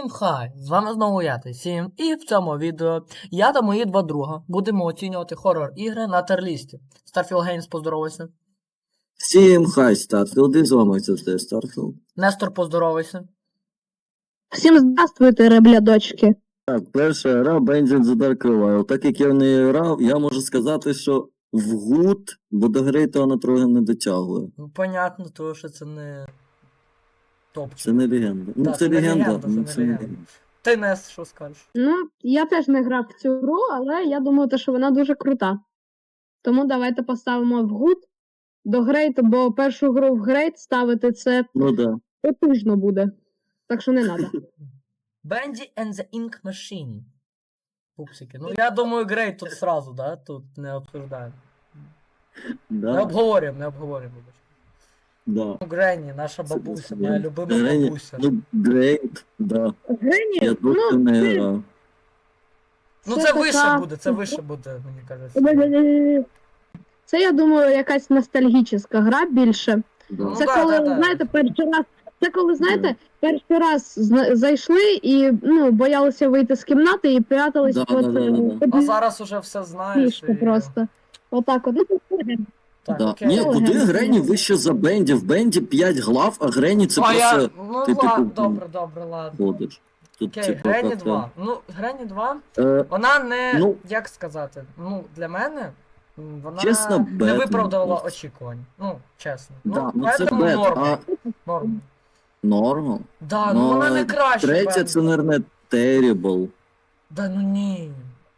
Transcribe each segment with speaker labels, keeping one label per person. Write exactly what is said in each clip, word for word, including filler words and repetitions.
Speaker 1: Всім хай! З вами знову я, Сім, і в цьому відео я та мої два друга будемо оцінювати хорор-ігри на терлісті. Starfield Games, поздоровайся.
Speaker 2: Всім хай, Старфілд, і з вами завжди Старфілд.
Speaker 1: Нестор, поздоровайся.
Speaker 3: Всім здравствуйте, реблядочки.
Speaker 2: Так, перша гра Benjamin the Dark Revival. Так як я в неї грав, я можу сказати, що в гуд, бо до гри то вона трохи не дотягує.
Speaker 1: Ну, понятно, тому що це не топчик.
Speaker 2: Це не легенда. Ну,
Speaker 1: Да,
Speaker 2: це,
Speaker 1: це не
Speaker 2: легенда,
Speaker 1: легенда,
Speaker 2: ну,
Speaker 1: це
Speaker 2: це
Speaker 1: не
Speaker 2: не
Speaker 1: легенда.
Speaker 2: легенда.
Speaker 1: Ти, Нест, що скажеш?
Speaker 3: Ну, я теж не грав в цю гру, але я думаю, те, що вона дуже крута. Тому давайте поставимо в гуд до грейт, бо першу гру в грейт ставити це
Speaker 2: Ну да.
Speaker 3: потужно буде. Так що не треба.
Speaker 1: Bendy and the Ink Machine. Пупсики. Ну, я думаю, грейт тут сразу, да? Тут не обсуждаємо. Не
Speaker 2: Да,
Speaker 1: обговорюємо, не обговорюємо. вибач.
Speaker 2: да.
Speaker 1: Ну, Гренні, наша
Speaker 2: Це
Speaker 1: бабуся,
Speaker 2: просто
Speaker 1: моя
Speaker 2: Гренні.
Speaker 1: любима
Speaker 2: Гренні,
Speaker 1: бабуся.
Speaker 2: Ну, Грейт, да.
Speaker 3: Гені,
Speaker 2: Я трохи
Speaker 3: ну,
Speaker 2: не
Speaker 3: це-
Speaker 2: грав.
Speaker 1: Ну
Speaker 3: це
Speaker 1: це вище
Speaker 3: така-
Speaker 1: буде, це вище буде, мені кажеться.
Speaker 3: Це, я думаю, якась ностальгічна гра більше.
Speaker 2: Да.
Speaker 3: Це
Speaker 1: да,
Speaker 3: коли,
Speaker 1: да, да.
Speaker 3: знаєте, перший раз. Це коли, знаєте, перший раз зна- зайшли і ну, боялися вийти з кімнати і прятались
Speaker 2: Да,
Speaker 3: от,
Speaker 2: да, да, да, да.
Speaker 1: А
Speaker 3: під
Speaker 1: зараз уже все знаєш.
Speaker 3: фішку
Speaker 1: І...
Speaker 3: просто. Отак от. Ну, це
Speaker 1: Так,
Speaker 2: Да.
Speaker 1: окей.
Speaker 2: Ні,
Speaker 3: Це
Speaker 2: куди
Speaker 3: легенда.
Speaker 2: Грені вище за Бенді? В Бенді п'ять глав, а Грені це
Speaker 1: а
Speaker 2: просто
Speaker 1: я... Ну
Speaker 2: ти,
Speaker 1: ладно,
Speaker 2: типу,
Speaker 1: добре, добре, ладно.
Speaker 2: ходиш. Тут
Speaker 1: Окей,
Speaker 2: типу,
Speaker 1: Грені
Speaker 2: як-то-
Speaker 1: два. Ну, Грені два,
Speaker 2: Е,
Speaker 1: вона не,
Speaker 2: Ну.
Speaker 1: як сказати, ну, для мене, м, вона
Speaker 2: Чесно,
Speaker 1: не
Speaker 2: бед,
Speaker 1: виправдала
Speaker 2: ну,
Speaker 1: очікувань. Ну, чесно.
Speaker 2: Да, ну це
Speaker 1: поэтому
Speaker 2: бед,
Speaker 1: норм.
Speaker 2: а
Speaker 1: Норм.
Speaker 2: норм.
Speaker 1: Да, ну вона не краще.
Speaker 2: Третя
Speaker 1: Бен.
Speaker 2: це, наверное, Terrible.
Speaker 1: Да ну ні.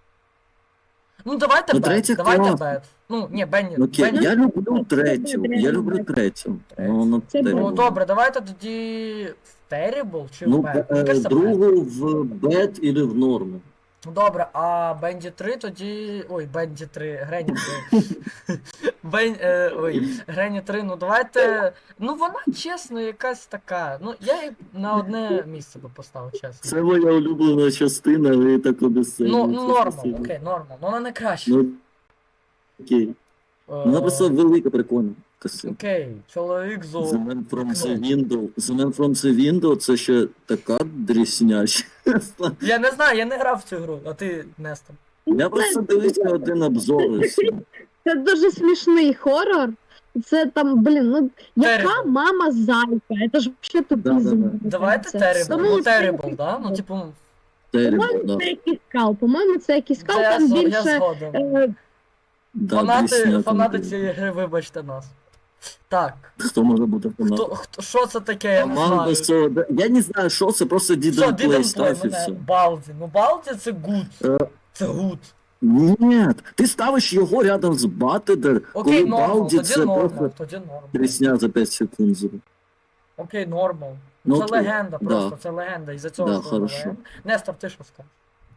Speaker 1: Ну давайте
Speaker 2: Ну,
Speaker 1: бет,
Speaker 2: третя
Speaker 1: давайте
Speaker 2: класна.
Speaker 1: бет. Ну, ні, Бенні.
Speaker 2: Ну, окей,
Speaker 1: Бенні.
Speaker 2: я люблю третю. Я люблю третю. Ну, ну,
Speaker 3: Це
Speaker 2: Terrible.
Speaker 1: Ну добре, давайте тоді в Terrible чи в
Speaker 2: Ну,
Speaker 1: Bad?
Speaker 2: е,
Speaker 1: Мені кажеться, Bad.
Speaker 2: другу в Bad і в норму.
Speaker 1: Ну добре, а Бенді три тоді. Ой, Бенді три, Грені три. Бен... е, Ой, Грені три, ну давайте. Ну вона чесно якась така. Ну я її на одне місце би поставив, чесно.
Speaker 2: Це моя улюблена частина, ви так обіцяєте.
Speaker 1: Ну, ну нормал, окей, нормал. Ну вона не краще.
Speaker 2: Ну, окей.
Speaker 1: Е,
Speaker 2: Вона просто велика, прикольна. Красива.
Speaker 1: Окей, чоловік
Speaker 2: The
Speaker 1: зо.
Speaker 2: Man from the Window. The Man from the Window це ще така дрісня.
Speaker 1: Я не знаю, я не грав в цю гру, а ти Нестор.
Speaker 2: Я просто дивився один обзор. і все.
Speaker 3: Це дуже смішний хорор. Це там, блін, ну яка
Speaker 1: Terrible.
Speaker 3: мама зайка? Це ж взагалі тупізм.
Speaker 2: Да-да-да.
Speaker 1: Давайте
Speaker 3: Це-
Speaker 1: Terrible.
Speaker 3: Тому
Speaker 1: Ну
Speaker 3: це-
Speaker 1: Terrible, да? Ну типу,
Speaker 2: Terrible,
Speaker 3: По-моєму,
Speaker 2: да.
Speaker 3: це якийсь кал. По-моєму, це якийсь кал,
Speaker 1: це я,
Speaker 3: там
Speaker 1: зго- я
Speaker 3: більше.
Speaker 1: згоден.
Speaker 3: е,
Speaker 2: Да,
Speaker 1: Фанати,
Speaker 2: дрісня
Speaker 1: фанати
Speaker 2: там.
Speaker 1: цієї гри, вибачте нас. Так,
Speaker 2: Хто може бути
Speaker 1: хто,
Speaker 2: фанатом?
Speaker 1: хто, що це таке, я не
Speaker 2: Команда
Speaker 1: знаю.
Speaker 2: Со- Я не знаю, що це, просто
Speaker 1: Що,
Speaker 2: didn't
Speaker 1: Didn't
Speaker 2: play
Speaker 1: Play
Speaker 2: став і
Speaker 1: мене,
Speaker 2: все.
Speaker 1: Балді. Ну Балді це good.
Speaker 2: Е,
Speaker 1: Це good.
Speaker 2: Ні, ти ставиш його рядом з Батедер,
Speaker 1: Окей,
Speaker 2: коли
Speaker 1: нормал,
Speaker 2: Балді
Speaker 1: тоді
Speaker 2: це
Speaker 1: нормал,
Speaker 2: просто
Speaker 1: тоді нормал.
Speaker 2: трісня за п'ять секунд. зробив.
Speaker 1: Окей, нормал.
Speaker 2: Ну,
Speaker 1: це
Speaker 2: окей.
Speaker 1: легенда просто,
Speaker 2: Да.
Speaker 1: це легенда, із-за цього
Speaker 2: Да,
Speaker 1: що вона
Speaker 2: хорошо.
Speaker 1: легенда. Нестор, ти що скажеш?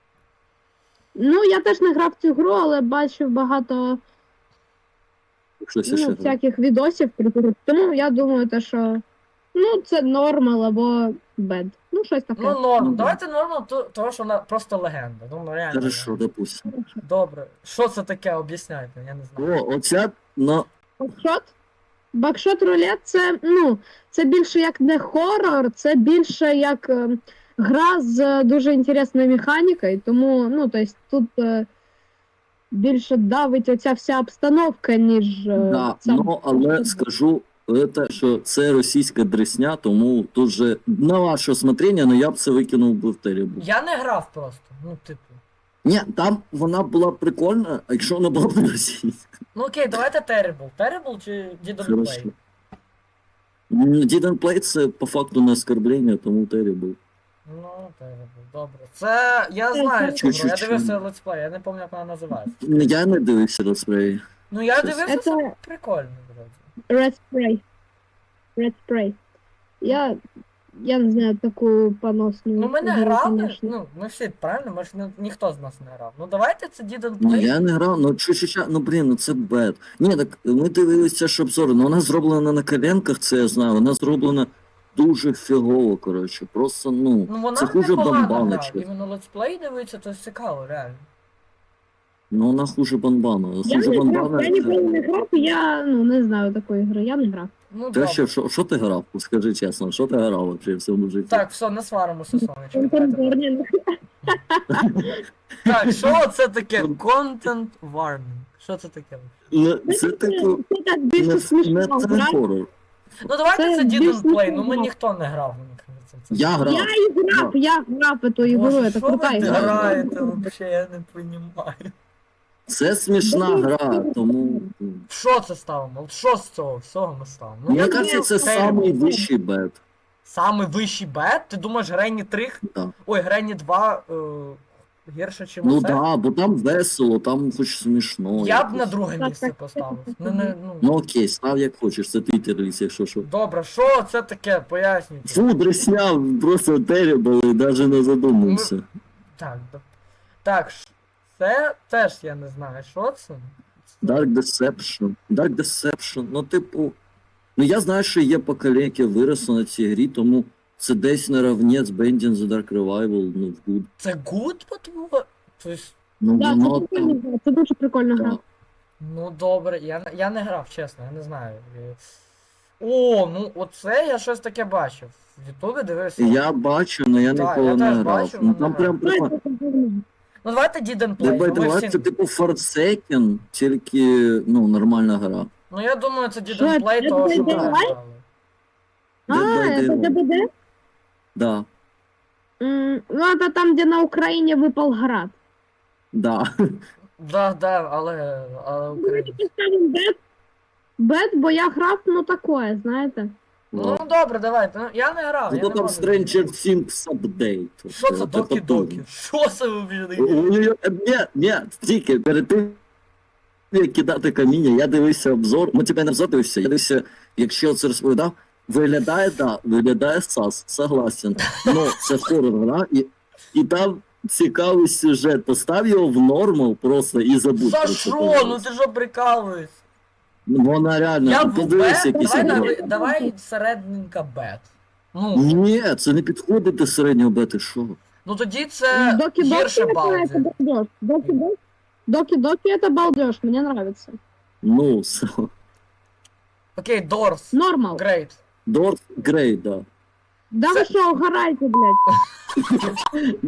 Speaker 3: Ну, я теж не грав в цю гру, але бачив багато
Speaker 2: Щось
Speaker 3: ну,
Speaker 2: ще.
Speaker 3: всяких відосів про гру. Тому я думаю, те, що ну, це нормал або бед. Ну, щось таке.
Speaker 1: Ну норм,
Speaker 2: Ну, да.
Speaker 1: давайте нормал, то, того що вона просто легенда. Ну реально.
Speaker 2: Хорошо, допустим.
Speaker 1: Добре. Що це таке, об'ясняйте, я не знаю.
Speaker 2: О, оця, ну,
Speaker 3: Бакшот? Бакшот рулет це, ну, це більше як не хорор, це більше як е, гра з е, дуже інтересною механікою, тому, ну, тобто тут е, більше давить оця вся обстановка, ніж е,
Speaker 2: да,
Speaker 3: сам.
Speaker 2: ну, але скажу, це, що це російська дресня, тому тут же на ваше усмотрення, але я б це викинув би в Terrible.
Speaker 1: Я не грав просто. Ну, типу.
Speaker 2: Ні, там вона була прикольна, а якщо вона була б не російська.
Speaker 1: Ну окей, давайте Terrible. Terrible чи Didn't
Speaker 2: Хорошо.
Speaker 1: Play?
Speaker 2: М, Didn't Play це по факту не оскорблення, тому Terrible.
Speaker 1: Ну, Terrible, добре. Це. Я знаю цю гру, я
Speaker 2: Чуть-чуть.
Speaker 1: дивився летсплей, я не пам'ятаю, як вона називається.
Speaker 2: Я не дивився летсплеї.
Speaker 1: Ну я
Speaker 2: Щось.
Speaker 1: дивився,
Speaker 3: Це-
Speaker 1: це прикольно, вроді.
Speaker 3: Red Spray. Red Spray. Я, я не знаю таку поносну.
Speaker 1: Ну ми не
Speaker 3: гру,
Speaker 1: грали,
Speaker 3: конечно.
Speaker 1: ну ми всі, правильно? Ми ж не, ніхто з нас не грав. Ну давайте це Didn't
Speaker 2: Ну
Speaker 1: Play.
Speaker 2: я не грав, ну чуть-чуть, ну блін, ну це бед. Ні, так ми дивилися ж обзори, ну вона зроблена на коленках, це я знаю, вона зроблена дуже фігово, коротше. Просто, ну,
Speaker 1: Ну вона
Speaker 2: це хуже
Speaker 1: непогана
Speaker 2: бомбаночки.
Speaker 1: гра. Іменно летсплей дивиться, то цікаво, реально.
Speaker 2: Ну вона хуже бомбана.
Speaker 3: Я
Speaker 2: Хуже
Speaker 3: не грав,
Speaker 2: бомбана.
Speaker 3: я ніколи не грав, я ну, не знаю такої гри, я не грав.
Speaker 1: Ну,
Speaker 2: Ти
Speaker 1: добре.
Speaker 2: ще, що, що ти грав? Скажи чесно, що ти грав вообще в цьому житті?
Speaker 1: Так, все, не сваримося, сонечко. давайте далі.
Speaker 3: Контент-ворнінг.
Speaker 1: Так, що це таке? Content warning. Що це таке?
Speaker 2: Ну, це типу,
Speaker 3: Це так
Speaker 2: не,
Speaker 3: більше
Speaker 2: не
Speaker 3: смішно
Speaker 2: це
Speaker 3: грати.
Speaker 2: хорор.
Speaker 1: Ну давайте
Speaker 3: Це
Speaker 1: це Didn't
Speaker 3: більш
Speaker 1: Play, ну
Speaker 3: ніхто
Speaker 1: ми
Speaker 3: не
Speaker 1: ніхто не грав, мені кажеться. Це-
Speaker 2: Я грав.
Speaker 3: Я і грав, я грав эту ігру,
Speaker 1: Боже,
Speaker 3: це
Speaker 1: що ви
Speaker 3: крута ігра.
Speaker 1: граєте вообще, я не розумію.
Speaker 2: Це смішна гра, тому.
Speaker 1: Що це ставимо? От що з цього всього ми ставимо? Ну,
Speaker 2: Мені
Speaker 1: я
Speaker 2: кажеться, це
Speaker 1: думаю,
Speaker 2: самий вищий бет.
Speaker 1: Самий вищий бет? Ти думаєш, Гренні три?
Speaker 2: Да.
Speaker 1: Ой, Гренні два е, гірше, чим
Speaker 2: Ну
Speaker 1: це?
Speaker 2: да, бо там весело, там хоч смішно.
Speaker 1: Я б
Speaker 2: якось.
Speaker 1: на друге
Speaker 3: Так,
Speaker 1: місце
Speaker 3: так,
Speaker 1: поставив.
Speaker 3: так,
Speaker 1: Не, не, ну.
Speaker 2: Ну окей, став як хочеш, це твій терліс, якщо що.
Speaker 1: Добре, що це таке? Пояснюйте.
Speaker 2: Фу, дресня, просто terrible, і навіть не задумався.
Speaker 1: Так, да- так, ш- це теж я не знаю, що це.
Speaker 2: Dark Deception. Dark Deception, ну типу. Ну я знаю, що є покоління, яке виросло на цій грі, тому це десь наравні з Bending the Dark Revival, ну в good.
Speaker 1: Це good, по-твоєму? Тобто,
Speaker 2: Ну
Speaker 3: Да,
Speaker 2: воно
Speaker 3: це прикольна
Speaker 2: там.
Speaker 3: гра, це дуже прикольна гра.
Speaker 2: Так.
Speaker 1: ну добре, я, не- я не грав, чесно, я не знаю. Е, О, ну оце я щось таке бачив. В Ютубі дивився.
Speaker 2: Я бачу, але я
Speaker 1: Так,
Speaker 2: ніколи
Speaker 1: я
Speaker 2: не
Speaker 1: теж
Speaker 2: грав.
Speaker 1: бачу,
Speaker 2: Ну
Speaker 1: але
Speaker 2: там
Speaker 1: не
Speaker 2: прям
Speaker 3: Ну,
Speaker 2: прикольно.
Speaker 3: це прикольно.
Speaker 1: Ну давайте Didn't Play.
Speaker 2: Давай,
Speaker 1: Ну, ми
Speaker 2: давай,
Speaker 1: всі...
Speaker 2: це типу Forsaken, тільки, ну, нормальна гра.
Speaker 1: ну я думаю, це
Speaker 3: Що,
Speaker 1: Didn't Play,
Speaker 3: Dead
Speaker 1: того що
Speaker 3: by
Speaker 1: ми не
Speaker 3: Daylight?
Speaker 1: грали.
Speaker 3: А,
Speaker 2: Dead by
Speaker 3: это
Speaker 2: Daylight.
Speaker 3: ДБД?
Speaker 2: Да,
Speaker 3: М, Ну, это там, где на Украине выпал град.
Speaker 2: да.
Speaker 1: Да, да, але, але Україна.
Speaker 3: Поставим бет. Бет, бо я грав, ну такое, знаєте.
Speaker 1: Ну добре, давайте. Ну, я не грав. Я
Speaker 2: Зато
Speaker 1: не
Speaker 2: там
Speaker 1: можу.
Speaker 2: Stranger Things Update.
Speaker 1: Що це
Speaker 2: От
Speaker 1: докі
Speaker 2: потужно.
Speaker 1: докі? Що це ви таке?
Speaker 2: Ой-ой-ой, Ні, ні, тільки перед тим, як кидати каміння, я дивився обзор, ну тебе не обзор дивився, я дивився, якщо це розповідав, виглядає, да, виглядає сас, согласен. Ну, це хорор гра, і, і там цікавий сюжет. Постав його в нормал просто і забудь.
Speaker 1: За
Speaker 2: про це,
Speaker 1: що?
Speaker 2: пожалуйста.
Speaker 1: Ну ти що прикалуєшся?
Speaker 2: Вона реально,
Speaker 1: Я
Speaker 2: ну,
Speaker 1: в
Speaker 2: подивися
Speaker 1: бет,
Speaker 2: якийсь
Speaker 1: давай,
Speaker 2: обзор.
Speaker 1: на, давай середненька бет. Ну,
Speaker 2: Ні, це не підходить до середнього бети, що?
Speaker 1: ну тоді це
Speaker 3: Доки-доки
Speaker 1: гірше
Speaker 3: это, это
Speaker 1: балди.
Speaker 3: балдеж. Доки-доки. Доки-доки это балдеж, мне нравится.
Speaker 2: Ну, все.
Speaker 1: Окей, Дорс.
Speaker 3: Нормал.
Speaker 1: Грейт.
Speaker 2: Дорс Грей, да.
Speaker 3: Да вы что, угорайте, блядь.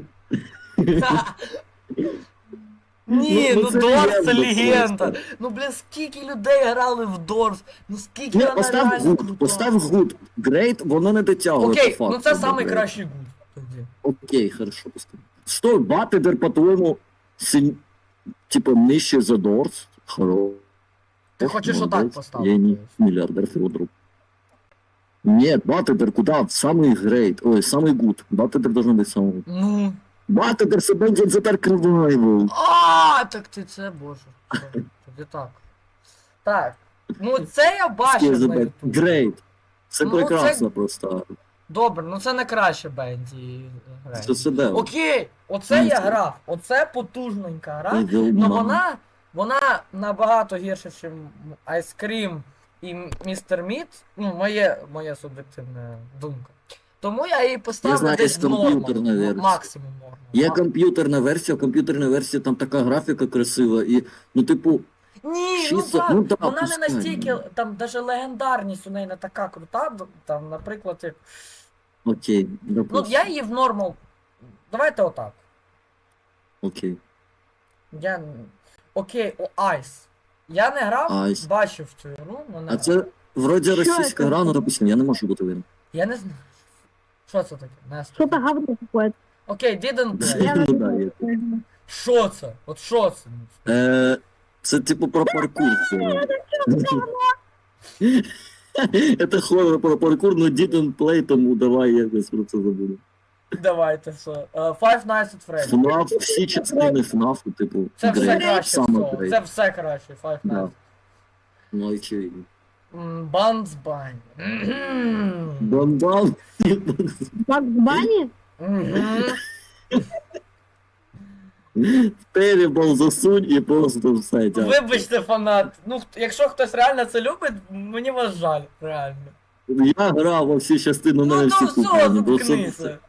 Speaker 1: Ні,
Speaker 2: Ну,
Speaker 1: ну
Speaker 2: це
Speaker 1: Дорс це
Speaker 2: легенда
Speaker 1: легенда.
Speaker 2: просто.
Speaker 1: Ну блін, скільки людей грали в Дорс. Ну скільки
Speaker 2: Ні,
Speaker 1: вона
Speaker 2: постав
Speaker 1: реально
Speaker 2: гуд,
Speaker 1: крута.
Speaker 2: постав гуд. Грейт, воно не дотягує.
Speaker 1: Окей,
Speaker 2: по
Speaker 1: ну
Speaker 2: факту
Speaker 1: це
Speaker 2: до
Speaker 1: самий
Speaker 2: Грейт.
Speaker 1: кращий гуд тоді.
Speaker 2: Окей, хорошо, постав. Що, Батидер, по-твоєму, силь... типа нижче за Дорс? Хоро.
Speaker 1: Ти хочеш отак
Speaker 2: Молодець.
Speaker 1: поставити?
Speaker 2: Я не миллиардер Федоров. Нет, Батидер куда? Самый грейт. Ой, самый гуд. Батидер должен быть самый гуд.
Speaker 1: Ну.
Speaker 2: Батидер це Bending the Dark Revival.
Speaker 1: А, так ти це, боже. Все, Тоді так. Так. Ну це я бачив на Ютубі.
Speaker 2: Грейт. Це
Speaker 1: Ну,
Speaker 2: прекрасно
Speaker 1: це-
Speaker 2: просто.
Speaker 1: Добре, ну це не краще Бенді грає.
Speaker 2: Це себе.
Speaker 1: Окей, оце
Speaker 2: Ну,
Speaker 1: я
Speaker 2: це-
Speaker 1: грав. Оце потужненька гра. Ну вона, вона набагато гірша, ніж Ice Cream і Містер Міт. Ну, моє, моя суб'єктивна думка. Тому я її поставлю
Speaker 2: знаю,
Speaker 1: десь в
Speaker 2: є
Speaker 1: норму.
Speaker 2: комп'ютерна
Speaker 1: ну,
Speaker 2: версія.
Speaker 1: Максимум норму.
Speaker 2: Є
Speaker 1: Ма-
Speaker 2: комп'ютерна версія, в комп'ютерній версії там така графіка красива, і, ну, типу,
Speaker 1: Ні,
Speaker 2: чисто-
Speaker 1: ну,
Speaker 2: ну,
Speaker 1: так,
Speaker 2: да,
Speaker 1: вона не
Speaker 2: пускай,
Speaker 1: настільки,
Speaker 2: ну.
Speaker 1: там навіть легендарність у неї не така крута, там, наприклад, як...
Speaker 2: окей,
Speaker 1: Ну,
Speaker 2: допустим.
Speaker 1: я її в нормал. Давайте отак.
Speaker 2: Окей.
Speaker 1: Я... Окей, о Айс. Я не грав,
Speaker 2: Айс.
Speaker 1: бачив цю гру, но не
Speaker 2: А
Speaker 1: грав.
Speaker 2: це вроді
Speaker 3: Що
Speaker 2: російська
Speaker 3: це?
Speaker 2: гра, ну, допустим, я не можу бути винен.
Speaker 1: Я не знаю. Що це таке? Настя?
Speaker 3: Что-то говно какое-то.
Speaker 1: Окей, didn't play.
Speaker 3: Я
Speaker 2: Ну,
Speaker 3: не
Speaker 2: да,
Speaker 3: знаю.
Speaker 1: Що це? От що це?
Speaker 2: Е, це типу про паркур. Це хоррор про паркур, но didn't play, тому давай якось про це забуду.
Speaker 1: Давайте, все. Uh, Five Nights at Freddy's.
Speaker 2: ФНАФ, всі частини ФНАФу, типу,
Speaker 1: Це все
Speaker 2: Грей,
Speaker 1: краще
Speaker 2: саме
Speaker 1: всього.
Speaker 2: Грей.
Speaker 1: Це все краще, Five
Speaker 2: Да.
Speaker 1: Nights.
Speaker 2: Ну, очевидно.
Speaker 1: М, Buns Bunny. Мгм.
Speaker 2: Бан-бан.
Speaker 3: Бакс Банни?
Speaker 1: Мгм.
Speaker 2: Terrible засунь і просто все. дякую.
Speaker 1: Вибачте, фанат. Ну, хт- якщо хтось реально це любить, мені вас жаль, реально.
Speaker 2: Я грав во всі частини, у
Speaker 1: Ну,
Speaker 2: мене
Speaker 1: ну
Speaker 2: всі
Speaker 1: все,
Speaker 2: куплені, бо це
Speaker 1: заткнися.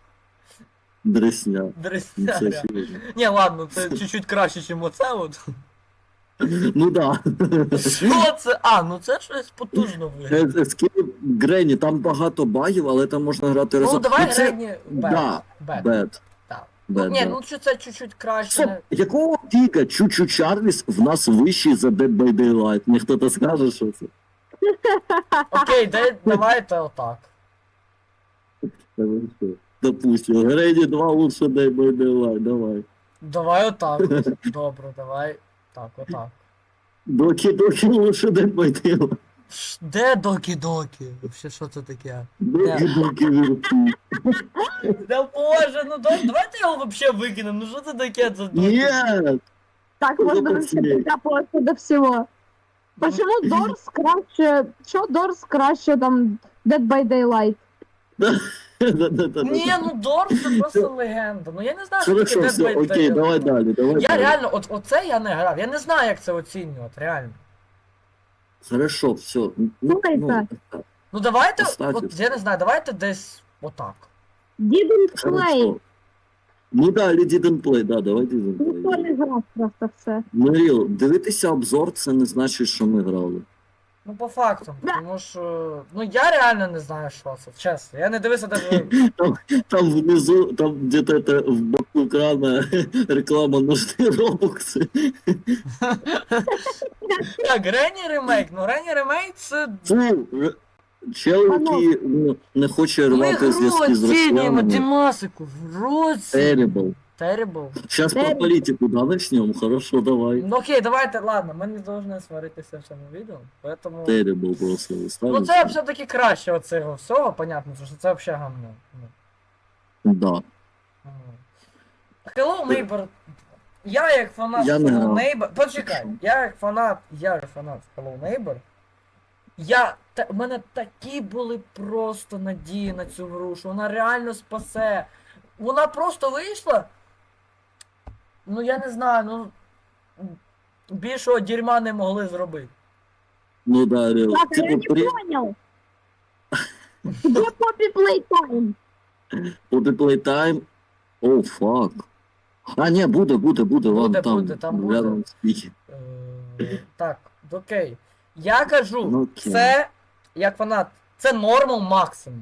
Speaker 2: дресня. Ну,
Speaker 1: Дресня.
Speaker 2: це
Speaker 1: реально.
Speaker 2: очевидно.
Speaker 1: Ні, ладно, це чуть-чуть краще, ніж оце от.
Speaker 2: Ну да.
Speaker 1: Що це? А, ну це щось потужно виглядає.
Speaker 2: Escape Granny, там багато багів, але там можна грати
Speaker 1: Ну
Speaker 2: разом.
Speaker 1: давай
Speaker 2: це...
Speaker 1: Гренні Бет.
Speaker 2: Да,
Speaker 1: Бет.
Speaker 2: Bad.
Speaker 1: Так.
Speaker 2: Bad,
Speaker 1: Ну, ні,
Speaker 2: да.
Speaker 1: ну що це чуть-чуть краще.
Speaker 2: Стоп,
Speaker 1: не-
Speaker 2: якого фіга Чучу Чарліс в нас вищий за Dead by Daylight? Мені хто-то скаже, що це?
Speaker 1: Окей, дай, давайте отак.
Speaker 2: Та ви що? Допустим, Гренні два лучше Dead by Daylight, давай.
Speaker 1: Давай отак. Добре, давай. Так, отак.
Speaker 2: Доки-доки лучше Dead by Daylight.
Speaker 1: Ш- Де докі-докі? Вообще, що це таке?
Speaker 2: Доки-доки вірки.
Speaker 1: Да боже, ну да- давайте його вообще викинемо. Ну що це таке? Це докі?
Speaker 2: Нет!
Speaker 3: Так
Speaker 2: Ну,
Speaker 3: можно
Speaker 2: пацаны.
Speaker 3: вообще докапываться до всего. Почему Дорс краще... Чё Дорс краще там Dead by Daylight?
Speaker 2: Да-да-да.
Speaker 1: Ні, ну Дорс це просто легенда. Ну я не знаю, що
Speaker 2: Хорошо,
Speaker 1: таке Dead
Speaker 2: все,
Speaker 1: by
Speaker 2: окей,
Speaker 1: Daylight.
Speaker 2: давай далі, давай
Speaker 1: Я
Speaker 2: далі.
Speaker 1: реально, от оце я не грав. Я не знаю, як це оцінювати, реально.
Speaker 2: Хорошо, все. Ну,
Speaker 3: Слухайте.
Speaker 2: ну,
Speaker 1: Ну давайте,
Speaker 2: Кстати.
Speaker 1: от я не знаю, давайте десь отак.
Speaker 3: Didn't play.
Speaker 2: хорошо. Ну да, или didn't play, да, давай didn't
Speaker 3: Ніхто
Speaker 2: play.
Speaker 3: не грав просто в це.
Speaker 2: Миріл, дивитися обзор, це не значить, що ми грали.
Speaker 1: Ну по факту, тому що. Ну я реально не знаю, що це, чесно. Я не дивився даже.
Speaker 2: Там внизу, там где-то это в боку экрана реклама нужны робокси.
Speaker 1: Так, Гренні ремейк. Ну Гренні ремейк це.
Speaker 2: Фу, р- чел, який ну, не хоче
Speaker 1: Ми
Speaker 2: рвати
Speaker 1: гру
Speaker 2: зв'язки з
Speaker 1: оцінюємо
Speaker 2: росіянами.
Speaker 1: Дімасику. В році.
Speaker 2: Terrible.
Speaker 1: Terrible.
Speaker 2: Сейчас про
Speaker 3: Terrible.
Speaker 2: политику, да, начнем? Хорошо, давай.
Speaker 1: Ну окей, давайте, ладно, ми не повинні сваритися в цьому відео, поэтому.
Speaker 2: Terrible просто
Speaker 1: Ну
Speaker 2: ставиш.
Speaker 1: це все-таки краще оцього всього, понятно, що це взагалі гамно. Ну.
Speaker 2: Да.
Speaker 1: Ага. Hello Neighbor. Я як фанат
Speaker 2: Я не
Speaker 1: Hello
Speaker 2: грав.
Speaker 1: Neighbor. Почекай, я як фанат, я як фанат Hello Neighbor. Я. Та, в мене такі були просто надії на цю гру, що вона реально спасе. Вона просто вийшла. Ну я не знаю, ну. Більшого дерьма не могли зробити.
Speaker 2: Ну да, реал.
Speaker 3: Так, я
Speaker 2: Типа,
Speaker 3: не
Speaker 2: при...
Speaker 3: понял. Где Poppy Playtime?
Speaker 2: Буде Playtime. О, фак. А, ні, буде, буде, буде, ладно,
Speaker 1: Буде,
Speaker 2: там.
Speaker 1: буде, там буде.
Speaker 2: рядом спіки.
Speaker 1: Е, Так, окей. Я кажу,
Speaker 2: Ну, окей.
Speaker 1: це як фанат, це нормал максимум.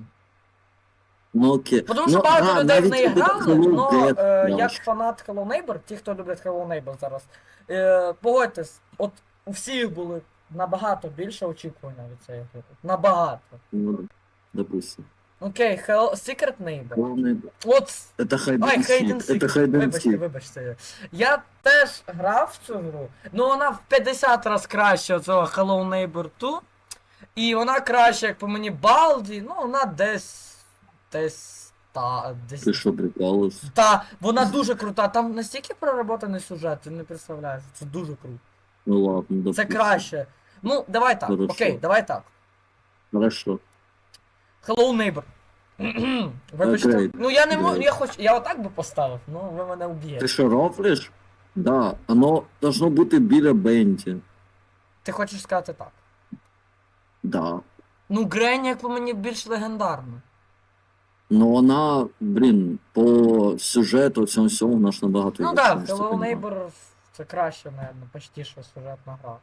Speaker 2: Ну окей.
Speaker 1: Тому що
Speaker 2: Ну,
Speaker 1: багато
Speaker 2: да,
Speaker 1: людей в
Speaker 2: навіть
Speaker 1: неї
Speaker 2: буде
Speaker 1: грали,
Speaker 2: Hello
Speaker 1: але
Speaker 2: Dead,
Speaker 1: як
Speaker 2: краще.
Speaker 1: фанат Hello Neighbor, ті, хто люблять Hello Neighbor зараз, е, погодьтесь, от у всіх були набагато більше очікування від цієї гри. Набагато.
Speaker 2: Ну, допустим.
Speaker 1: Окей, Hello, Secret Neighbor.
Speaker 2: Главное,
Speaker 1: От
Speaker 2: это hide
Speaker 1: Ой,
Speaker 2: and
Speaker 1: Hide
Speaker 2: seek.
Speaker 1: and Seek.
Speaker 2: Это hide and
Speaker 1: Вибачте,
Speaker 2: seek.
Speaker 1: вибачте. Я теж грав в цю гру, ну вона в п'ятдесят раз краще цього Hello Neighbor два. І вона краще, як по мені, Балді, ну вона десь. Десь. Та, десь.
Speaker 2: Ти що, прикалувався?
Speaker 1: Та, вона дуже крута. Там настільки проработаний сюжет, ти не представляєш. Це дуже круто.
Speaker 2: Ну ладно,
Speaker 1: Це
Speaker 2: допустим.
Speaker 1: краще. Ну, давай так.
Speaker 2: Хорошо.
Speaker 1: Окей, давай так.
Speaker 2: Хорошо.
Speaker 1: Hello Neighbor. Вибачте.
Speaker 2: Окей.
Speaker 1: Ну я не можу,
Speaker 2: Окей.
Speaker 1: я хоч. Я отак би поставив, ну ви мене
Speaker 2: Ти
Speaker 1: вб'єте.
Speaker 2: що, рофлиш? Да, оно должно бути біля Бенті.
Speaker 1: Ти хочеш сказати так?
Speaker 2: Да.
Speaker 1: Ну, Гренні, як по мені, більш легендарна.
Speaker 2: Ну вона, блін, по сюжету, всьому всьому, вона ж набагато
Speaker 1: Ну
Speaker 2: гірша,
Speaker 1: так,
Speaker 2: ніж
Speaker 1: да,
Speaker 2: це
Speaker 1: Hello
Speaker 2: понимаю.
Speaker 1: Neighbor це краще, наверное, почти що сюжетна гра.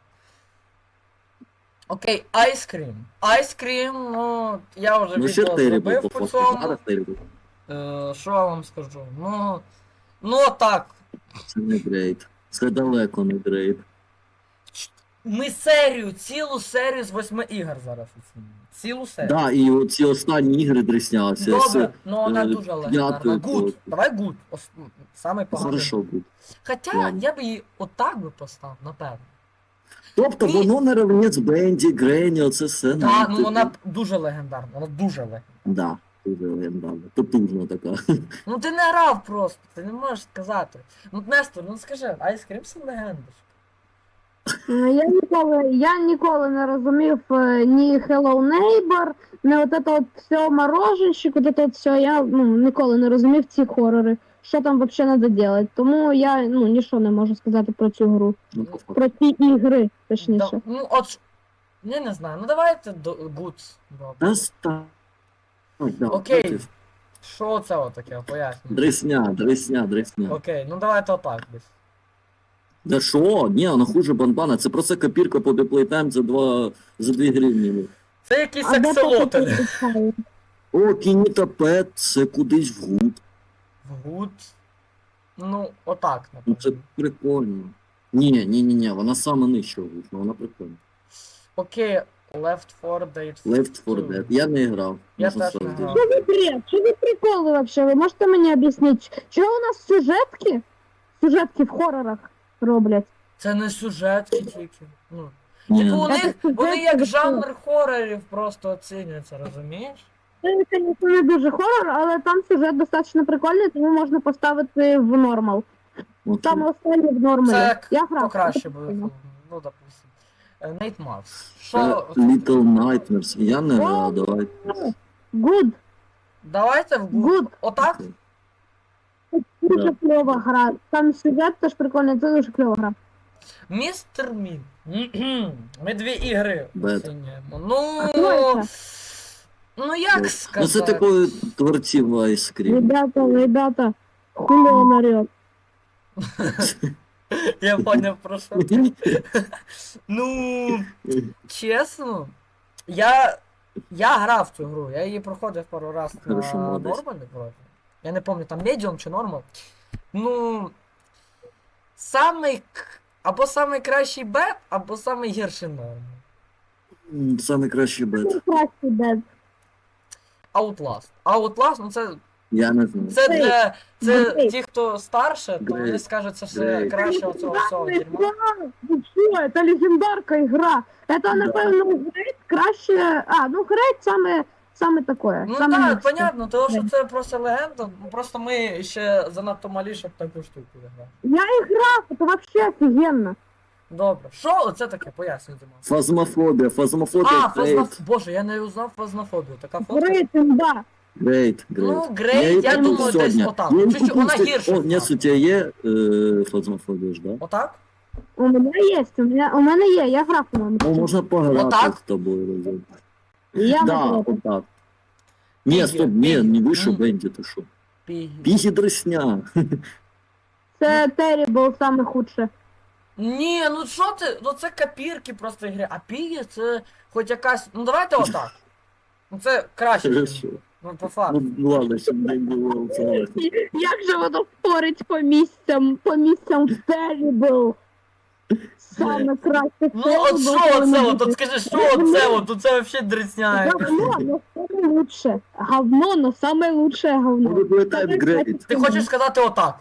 Speaker 1: Окей, Ice Cream. Ice Cream, ну, я вже
Speaker 2: Ну ще
Speaker 1: відео
Speaker 2: Terrible,
Speaker 1: зробив
Speaker 2: по
Speaker 1: по
Speaker 2: факту.
Speaker 1: цьому.
Speaker 2: Зараз Terrible.
Speaker 1: Е, Що я вам скажу? Ну, ну так,
Speaker 2: Це не грейт. Це далеко не грейт.
Speaker 1: ми серію, цілу серію з восьми ігор зараз оцінюємо. Цілу серію.
Speaker 2: Да, і оці останні ігри дресняться.
Speaker 1: Добре, ну вона
Speaker 2: е,
Speaker 1: дуже легендарна.
Speaker 2: п'ятою
Speaker 1: Гуд.
Speaker 2: просто.
Speaker 1: Давай гуд. Ос- Самий поганий.
Speaker 2: Хорошо буде.
Speaker 1: Хоча
Speaker 2: Ладно.
Speaker 1: я б її отак би поставив, напевно.
Speaker 2: Тобто
Speaker 1: Ні.
Speaker 2: воно не равнець Бенді, Гренні, оце все.
Speaker 1: Так, ну
Speaker 2: типу,
Speaker 1: вона б дуже легендарна, вона дуже легендарна.
Speaker 2: Да, дуже легендарна. Потужна така.
Speaker 1: Ну ти не грав просто, ти не можеш сказати. Ну Нестор, ну скажи, Ice Cream це легенда.
Speaker 3: Е, Я ніколи, я ніколи не розумів е, ні Hello Neighbor, ні от це от все мороженщик, от це от все, я ну, ніколи не розумів ці хорори. Що там взагалі треба робити. Тому я ну, нічого не можу сказати про цю гру.
Speaker 2: Ну, по факту.
Speaker 3: Про ці ігри,
Speaker 1: Да,
Speaker 3: точніше.
Speaker 1: ну от, ж- я не знаю, ну давайте до Good. Добре.
Speaker 2: Та ста- Ой, да,
Speaker 1: Окей.
Speaker 2: бачиш,
Speaker 1: Що це отаке, пояснюю.
Speaker 2: Дресня, дресня, дресня.
Speaker 1: Окей, ну давайте отак десь.
Speaker 2: Да що? Ні, вона хуже банбана. Це просто копірка по Playtime за два за дві гривні.
Speaker 1: Це якийсь
Speaker 3: А де
Speaker 1: акселотель.
Speaker 3: поки
Speaker 2: О, Кініта Пет, це кудись в гуд.
Speaker 1: Гуд. Ну, отак,
Speaker 2: Ну це
Speaker 1: напевно.
Speaker 2: прикольно. Ні, ні, ні, ні, вона саме нижча в гуд, але вона прикольна.
Speaker 1: Окей, Left four Dead.
Speaker 2: Left four Dead. Я не грав.
Speaker 1: Я
Speaker 2: можна
Speaker 1: теж не
Speaker 2: сказати.
Speaker 1: грав.
Speaker 3: Що за бред? Що за приколи вообще? Ви можете мені об'яснити, чого у нас сюжетки? Сюжетки в хорорах роблять.
Speaker 1: Це не сюжетки тільки. Ну.
Speaker 2: Ні.
Speaker 1: Типу, у
Speaker 3: Це
Speaker 1: них,
Speaker 3: сюжетки
Speaker 1: вони як
Speaker 3: до
Speaker 1: жанр хорорів просто оцінюються, розумієш?
Speaker 3: Це, звісно, не дуже хорор, але там сюжет достатньо прикольний, тому можна поставити в нормал.
Speaker 2: Окей.
Speaker 3: Саме останнє в нормалі.
Speaker 1: Це
Speaker 3: Я грав.
Speaker 1: покраще буде. Ну, допустим. Нейт Марс.
Speaker 2: Це
Speaker 1: Що?
Speaker 2: Little Nightmares. Я не грав, давай.
Speaker 3: Good,
Speaker 1: Давайте в Google.
Speaker 3: good.
Speaker 1: Отак?
Speaker 3: Дуже
Speaker 2: Да.
Speaker 3: кльова гра. Там сюжет теж прикольний, це дуже кльова гра.
Speaker 1: Містер Мін. Ми дві ігри
Speaker 2: Бет.
Speaker 1: оцінюємо. Ну.
Speaker 3: А хто це?
Speaker 1: Ну як
Speaker 2: Ну,
Speaker 1: сказати?
Speaker 2: це типу творців Ice Cream.
Speaker 3: Ребята, ребята, хули он орет.
Speaker 1: Я поняв про що. Ну, чесно, я. Я грав в цю гру, я її проходив пару раз на
Speaker 2: Хорошо, молодець.
Speaker 1: нормалі вроде. Я не пам'ятаю, там медіум чи нормал. Ну. Самий. к- Або самий кращий бет, або самий гірший норм.
Speaker 2: М, Самий кращий бет.
Speaker 3: Красий дед.
Speaker 1: Outlast. Outlast, ну це.
Speaker 2: Я не знаю.
Speaker 1: Це для. Це
Speaker 3: Great.
Speaker 1: ті, хто старше, то вони
Speaker 2: Great.
Speaker 1: скажуть, це все
Speaker 2: Great.
Speaker 1: краще оцього всього дерьма.
Speaker 3: Ну що, это легендарка ігра. Это,
Speaker 2: Да.
Speaker 3: напевно, Грейт краще... А, ну Грейт саме, саме такое.
Speaker 1: Ну
Speaker 3: саме
Speaker 1: так,
Speaker 3: мікс.
Speaker 1: понятно, тому що це просто легенда, ну, просто ми ще занадто малі, щоб таку штуку грати.
Speaker 3: Я і грав, це вообще офігенно.
Speaker 1: Добре. Що оце таке? Пояснюй, Димон.
Speaker 2: Фазмофобія, фазмофобія,
Speaker 1: А, фазноф...
Speaker 2: Грейт.
Speaker 1: Боже, я не узнав фазнофобію. Така фотка.
Speaker 3: Грейт, да.
Speaker 2: Грейт,
Speaker 1: Ну,
Speaker 2: грейт.
Speaker 1: Great,
Speaker 2: її
Speaker 1: я
Speaker 2: купив
Speaker 1: думаю,
Speaker 2: сьогодні.
Speaker 1: десь отак.
Speaker 2: Я її
Speaker 1: Чуть-чуть,
Speaker 2: купив
Speaker 1: вона
Speaker 2: сьогодні.
Speaker 1: гірша
Speaker 2: О, ні,
Speaker 1: стала.
Speaker 2: у тебе є е, фазмофобія ж, да?
Speaker 1: Отак?
Speaker 3: У мене є, у мене, у мене є, я грав, по-моєму.
Speaker 2: Ну, можна пограти
Speaker 1: Отак?
Speaker 2: з тобою разом.
Speaker 3: Я
Speaker 2: Да,
Speaker 3: готова.
Speaker 2: отак. Ні,
Speaker 1: Пігі,
Speaker 2: стоп, ні,
Speaker 1: Пігі.
Speaker 2: не вийшов
Speaker 1: М.
Speaker 2: Бенді, ти що?
Speaker 1: Пігі.
Speaker 2: Пігі дресня.
Speaker 3: Це Terrible саме худше.
Speaker 1: Ні, ну що ти? Ну це копірки просто ігри. А Пігі це хоч якась. Ну давайте отак. Ну це краще.
Speaker 2: Хорошо.
Speaker 1: Ну, по факту.
Speaker 2: Ну, ладно, щоб не було це.
Speaker 3: Як же воно спорить по місцям, по місцям в Terrible? Саме краще
Speaker 1: Ну от що оце от, от скажи, що оце от, тут це взагалі дресня.
Speaker 3: Говно, но самое лучшее. Говно, но самое лучшее говно.
Speaker 2: Playtime Great.
Speaker 1: Ти хочеш сказати отак?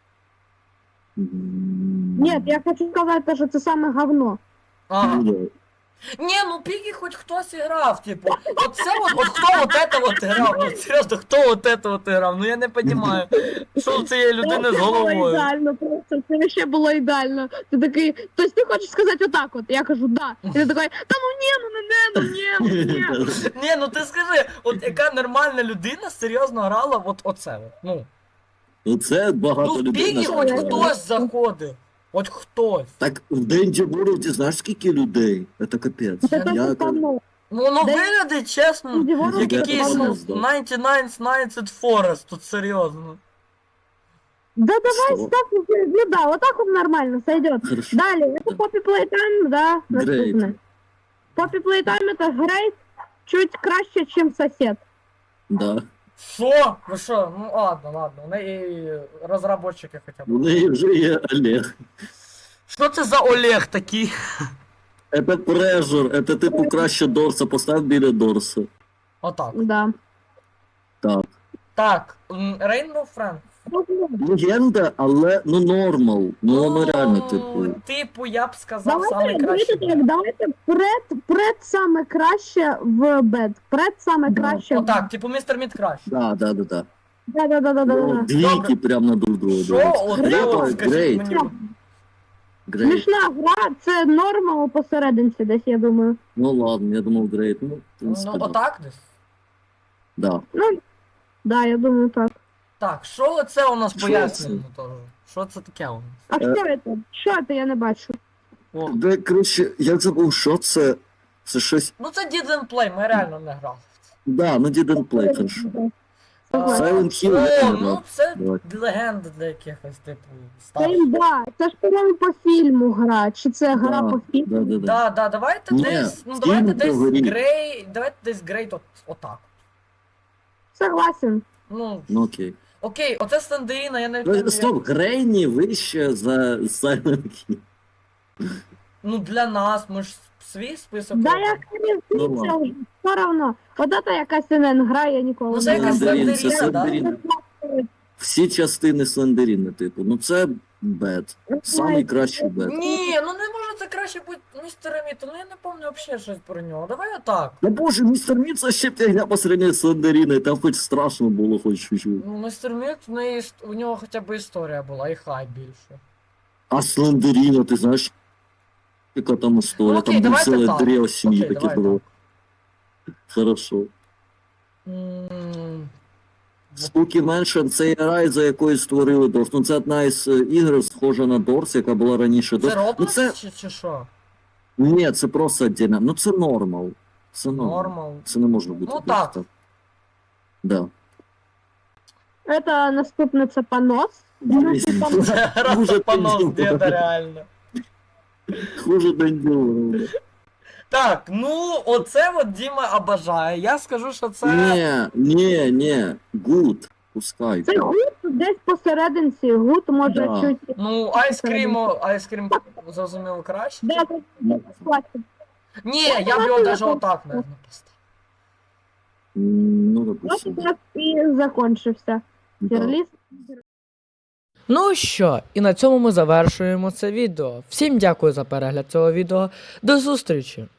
Speaker 3: Нет, я хочу сказать, то, что это самое говно.
Speaker 1: Ага.
Speaker 2: Ну, да.
Speaker 1: Ні, ну Пігі хоч хтось і грав, типу. От це от, от хто от это от грав? Ну серйозно, хто от это от грав? Ну я не розумію, що у цієї людини з
Speaker 3: Це було
Speaker 1: головою.
Speaker 3: ідеально, просто це ще було ідеально. Ти такий, тобто ти хочеш сказати отак от, я кажу, да. І ти такий, та ну ні, ну не, не, ну ні, ну ні.
Speaker 1: Ні, ну ти скажи, от яка нормальна людина серйозно грала от оце от. Ну,
Speaker 2: Ну це багато
Speaker 1: ну в
Speaker 2: людей.
Speaker 1: Пігі
Speaker 2: насправді.
Speaker 1: хоч хтось заходив. Хоч хтось.
Speaker 2: Так в Денді Ворлді знаєш скільки людей? Це капець.
Speaker 3: Це
Speaker 2: Я
Speaker 3: теж
Speaker 2: кажу,
Speaker 3: говно.
Speaker 1: Ну воно
Speaker 3: Де-
Speaker 1: виглядить чесно,
Speaker 3: Денді Ворлд
Speaker 1: як
Speaker 2: це
Speaker 1: якийсь
Speaker 2: говно.
Speaker 1: дев'яносто дев'ять Nights Forest, тут серйозно.
Speaker 3: Да давай
Speaker 2: Что?
Speaker 3: ставь, ну да, вот так вот нормально сойдет.
Speaker 2: Хорошо.
Speaker 3: Далее, это Poppy Playtime, да, наступне. Poppy Playtime это Great, чуть краще, чем сосед.
Speaker 2: Да.
Speaker 1: Що? Ви що? Ну ладно, ладно, у неї розробники хоча
Speaker 2: У
Speaker 1: б.
Speaker 2: неї вже є Олег.
Speaker 1: Що це за Олег такий?
Speaker 2: Це Pressure, це типу краще Дорса, постав біля Дорса.
Speaker 1: Отак.
Speaker 3: Да.
Speaker 2: Так.
Speaker 1: Так, м, Rainbow Friends.
Speaker 2: Легенда, але ну нормал. Ну воно реально типу.
Speaker 1: Типу, я б сказав,
Speaker 3: Давайте,
Speaker 1: самий
Speaker 3: давайте
Speaker 1: кращий.
Speaker 3: так, давайте пред, пред саме краще в бед. Пред саме
Speaker 2: Да.
Speaker 3: краще. в
Speaker 1: Отак, типу містер Мід краще.
Speaker 2: Да, да, да, да.
Speaker 3: Да, да, да, да, да,
Speaker 2: Ну,
Speaker 3: да.
Speaker 2: двійки прям на друг друга.
Speaker 1: Що?
Speaker 2: дивляться.
Speaker 1: Оце
Speaker 2: Great,
Speaker 1: от, скажіть
Speaker 2: Great,
Speaker 1: мені.
Speaker 2: Great.
Speaker 3: Смішна гра, це норма посерединці десь, я думаю.
Speaker 2: Ну ладно, я думав Great. Ну, в принципі,
Speaker 1: Ну,
Speaker 2: да.
Speaker 1: отак десь.
Speaker 2: Да.
Speaker 3: Ну, да, я думаю так.
Speaker 1: Так, що оце у нас
Speaker 2: Що
Speaker 1: пояснюємо теж? Що це таке у нас?
Speaker 3: А
Speaker 2: Е.
Speaker 3: що це? Що це, я не бачу.
Speaker 1: О.
Speaker 2: Де, коротше, я забув, що це. Це щось.
Speaker 1: Ну це Didn't Play, ми реально не грали.
Speaker 2: Да, ну didn't play, хорошо. Silent Hill,
Speaker 1: О,
Speaker 2: я не
Speaker 1: ну
Speaker 2: знаю.
Speaker 1: це
Speaker 2: Давай.
Speaker 1: легенда для якихось, типу,
Speaker 3: Це
Speaker 1: старших.
Speaker 3: імба. Це ж, по-моєму, по фільму гра. Чи це гра
Speaker 2: Да,
Speaker 3: по фільму?
Speaker 2: Да, да, да.
Speaker 1: Да, да, давайте
Speaker 2: Ні,
Speaker 1: десь, ну
Speaker 2: фільм
Speaker 1: давайте десь
Speaker 2: говорить.
Speaker 1: грей, давайте десь грей от, отак.
Speaker 3: Согласен.
Speaker 1: Ну,
Speaker 2: Ну окей.
Speaker 1: окей, оце Слендеріна, я навіть
Speaker 2: Ну,
Speaker 1: не знаю.
Speaker 2: Стоп, Грейні вище за Silent Hill.
Speaker 1: Ну для нас, ми ж свій список.
Speaker 3: Да,
Speaker 1: робимо.
Speaker 3: як не
Speaker 2: Ну,
Speaker 3: вчиться
Speaker 2: ладно.
Speaker 3: вже, все равно. От це якась НН гра, я ніколи
Speaker 1: Ну, це
Speaker 3: не
Speaker 1: якась
Speaker 3: грала.
Speaker 2: Слендерін, це
Speaker 1: Слендеріна, да?
Speaker 2: Слендерін. Всі частини Слендеріна, типу. Ну це бет. Самий кращий бет.
Speaker 1: Ні, ну не може це краще бути містера Міта, ну я не пам'ятаю взагалі щось про нього. Давай отак.
Speaker 2: Ну боже, містер Міт це ще фігня по сравнению з Слендеріною, там хоч страшно було, хоч чуть-чуть.
Speaker 1: Ну, містер Міт, в неї іс- у нього хоча б історія була, і хай більше.
Speaker 2: А Слендеріна, ти знаєш, яка там історія,
Speaker 1: Ну, окей,
Speaker 2: там
Speaker 1: давайте
Speaker 2: ціле
Speaker 1: так.
Speaker 2: древо сім'ї
Speaker 1: Окей,
Speaker 2: таке
Speaker 1: давай
Speaker 2: було. Хорошо.
Speaker 1: М,
Speaker 2: Spooky Mansion це рай, за якою створили Дорс. Ну це одна із е, ігор, схожа на Дорс, яка була раніше.
Speaker 1: Це
Speaker 2: Дорс. Ну
Speaker 1: Роблокс
Speaker 2: це...
Speaker 1: чи, чи що?
Speaker 2: Ні, це просто отдельно. Ну це нормал. Це нормал.
Speaker 1: Нормал.
Speaker 2: Це не може бути.
Speaker 1: Ну,
Speaker 2: просто
Speaker 1: так.
Speaker 2: Да.
Speaker 3: Це наступне це понос. Другий понос.
Speaker 1: Це
Speaker 2: Хуже
Speaker 1: раз понос
Speaker 2: день
Speaker 1: деда
Speaker 2: діло.
Speaker 1: реально.
Speaker 2: Хуже день діло.
Speaker 1: Так, ну оце от Діма обожає. Я скажу, що це.
Speaker 2: Ні, ні, ні. Гуд. Пускай.
Speaker 3: Це гуд десь посерединці. Гуд може
Speaker 2: Да.
Speaker 3: чуть.
Speaker 1: Ну, айскрім, айскрім зрозуміло краще.
Speaker 3: Да, це класно.
Speaker 1: Ні, я б його навіть отак не поставив.
Speaker 2: М, Ну,
Speaker 3: Ось
Speaker 2: допустим.
Speaker 3: так і закончився.
Speaker 2: Да.
Speaker 3: Тірліст.
Speaker 1: Ну що, і на цьому ми завершуємо це відео. Всім дякую за перегляд цього відео. До зустрічі!